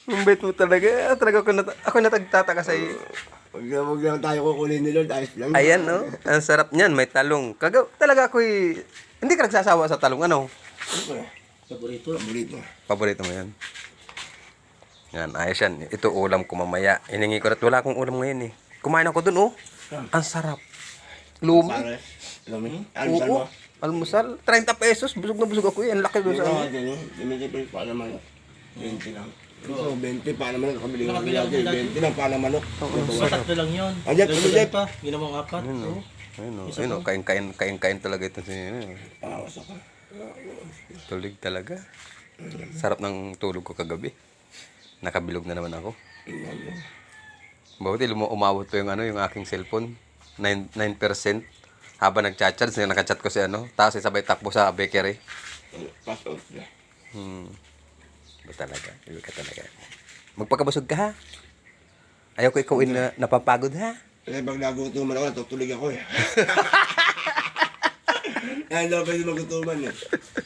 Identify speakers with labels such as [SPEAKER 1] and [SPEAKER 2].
[SPEAKER 1] Ang bait mo talaga. Talaga ako natagtataka sa iyo.
[SPEAKER 2] Huwag lang tayo kukunin ni Lord. Ayos lang.
[SPEAKER 1] Ayan, no? Ang sarap niyan. May talong. Talaga ako'y... Hindi ka nagsasawa sa talong. Ano?
[SPEAKER 2] Siyempre,
[SPEAKER 3] Paborito.
[SPEAKER 2] paborito.
[SPEAKER 1] Paborito mo yan. Yan, ayos yan. Ito ulam ko mamaya. Hiningi ko rin. Wala akong ulam ngayon eh. Kumain ako dun, oh. Ang sarap. Lumi.
[SPEAKER 2] Pare. Alam mo? Almusal mo?
[SPEAKER 1] Oo. Almusal. 30 pesos. Busog na busog ako eh. Ang laki doon sa
[SPEAKER 2] Ito,
[SPEAKER 1] amin.
[SPEAKER 2] Dimitipi pa naman. 20 lang. Ito, 20 pa naman. Nakabili ko
[SPEAKER 3] Nakabili ako
[SPEAKER 2] natin.
[SPEAKER 3] dati.
[SPEAKER 2] 20 lang pa naman.
[SPEAKER 3] Sa tatlo lang yun.
[SPEAKER 2] Ayan,
[SPEAKER 3] Dagdagan
[SPEAKER 2] ayan.
[SPEAKER 3] pa. Ginawang apat.
[SPEAKER 1] Ayun,
[SPEAKER 3] Oo.
[SPEAKER 1] oh. Ayun, oh. Ayun, oh. Kain-kain talaga ito.
[SPEAKER 2] Awas ako.
[SPEAKER 1] Tulig talaga. Sarap ng tulog ko kagabi. Nakabilog na naman ako. Buti umabot pa yung yung aking cellphone. 9% habang nagchat-chat, nakachat ko si tapos sabay takbo sa bakery.
[SPEAKER 2] Pass out na.
[SPEAKER 1] Iba talaga. Iba ka talaga. Magpakabusog ka ha. Ayaw ko ikaw na napapagod ha.
[SPEAKER 2] Kasi pag nagutuman ako, natutulig ako eh. Kaya daw pwede magutuman eh.